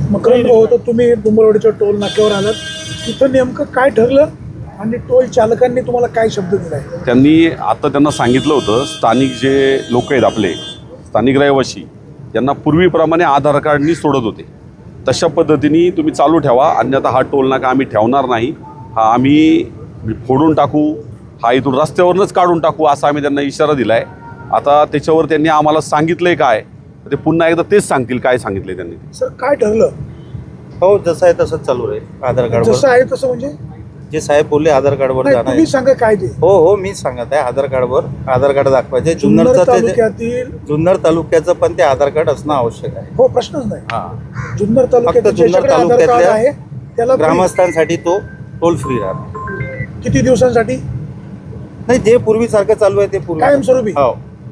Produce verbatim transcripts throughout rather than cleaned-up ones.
मकरंद भाऊ, तर तुम्ही डोंबरवाडीच्या टोल नाक्यावर आलात, तिथं नेमकं काय ठरलं आणि टोल चालकांनी तुम्हाला काय शब्द दिलाय? त्यांनी आता त्यांना सांगितलं होतं, स्थानिक जे लोक आहेत आपले स्थानिक रहिवासी यांना पूर्वीप्रमाणे आधार कार्डनी सोडत होते, तशा पद्धतीने तुम्ही चालू ठेवा, अन्यथा हा टोल नाका आम्ही ठेवणार नाही, हा आम्ही फोडून टाकू, हा इथून रस्त्यावरूनच काढून टाकू, असा आम्ही त्यांना इशारा दिला आहे. आता त्याच्यावर त्यांनी आम्हाला सांगितलं आहे काय, ते पुन्हा एकदा तेच सांगतील काय सांगितलं त्यांनी. सर काय ठरलं? हो, जसं आहे तसंच चालू आहे. आधार कार्ड जसं आहे तसं म्हणजे जे साहेब बोलले आधार कार्डवर नाही, जाणार तुम्ही आहे. सांगा काय ते. हो हो मीच सांगत आहे, आधार कार्डवर आधार कार्ड दाखवायचे. जुन्नर जुन्नरचं ते तालुक्यातील जुन्नर तालुक्याचं पण ते आधार कार्ड असणं आवश्यक आहे. हो, प्रश्नच नाही. हा, जुन्नर फक्त तालुक्यातील जुन्नर ज्याच्याकडे आधार कार्ड तालुक्यातल्या आहे त्याला free. ग्रामस्थांसाठी तो टोल फ्री राहणार. किती दिवसांसाठी? नाही, जे पूर्वीसारखं चालू आहे ते पूर्वी कायमस्वरूपी? हो.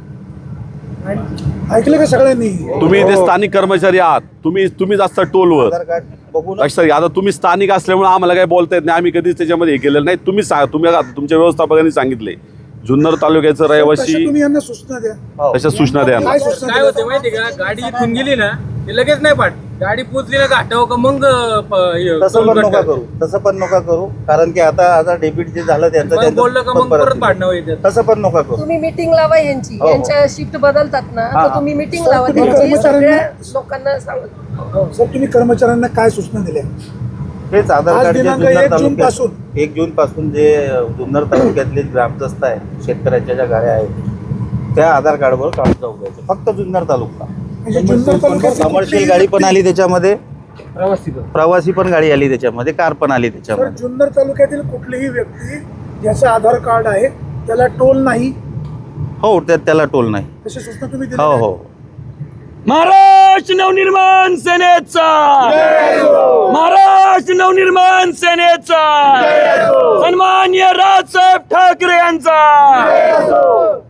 ऐकलं का सगळ्यांनी? तुम्ही ते स्थानिक कर्मचारी आहात, तुम्ही तुम्हीच असता टोलवर. आधार कार्ड बघून लक्षात घ्या, आता तुम्ही स्थानिक असल्यामुळे आम्हाला काही बोलता येत नाही, आम्ही कधीच त्याच्यामध्ये हे केलेलं नाही. तुम्ही सांगा, तुम्ही आता तुमच्या व्यवस्थापकांनी सांगितले जुन्नर तालुक्याचं तशा रहिवासी, तुम्ही यांना सूचना द्या. हो. तशा सूचना द्या. काय सूचना काय द्या? होते माहिती का, गाडी इथून गेली ना ते लगेच नाही पाठ, गाडी पोचली ना घाटाव का मग प- हे तसं टोल पण कट नका कर. करू, तसं पण नका करू, कारण की आता आता डेबिट जे झालं त्यांचं मग त्यांचं बोललं का मग परत परत येईल. पाडणं येते. तसं पण नका करू. तुम्ही मीटिंग लावा यांची, हो, हो. यांच्या शिफ्ट बदलतात ना, हा. तर तुम्ही मीटिंग सर, लावा तुम्ही त्यांची, कर्मचाऱ्यांना- सगळ्या लोकांना सांगा. सर, तुम्ही कर्मचाऱ्यांना काय सूचना दिल्या? हेच आधार आज कार्ड जे दिनांक जुन्नर एक जून तालुक्यात पासून. एक जून पासून जे जुन्नर तालुक्यातले ग्रामस्थ आहे, शेतकऱ्यांच्या ज्या गाड्या आहेत त्या आधार कार्डवर काम जाऊ द्यायचं, फक्त जुन्नर तालुका. म्हणजे जुन्नर तालुक्यात कमर्शियल गाडी पण आली त्याच्यामध्ये, प्रवासी पण. प्रवासी पण गाडी आली त्याच्यामध्ये, कार पण आली सर, त्याच्यामध्ये. जुन्नर तालुक्यातील कुठलीही व्यक्ती ज्याचं आधार कार्ड आहे त्याला टोल नाही, हो, त्या त्याला टोल नाही. तशी सूचना तुम्ही हो दिली? हो. महाराष्ट्र नवनिर्माण सेनेचा, महाराष्ट्र नवनिर्माण सेनेचा, सन्मान्य राजसाहेब ठाकरे यांचा.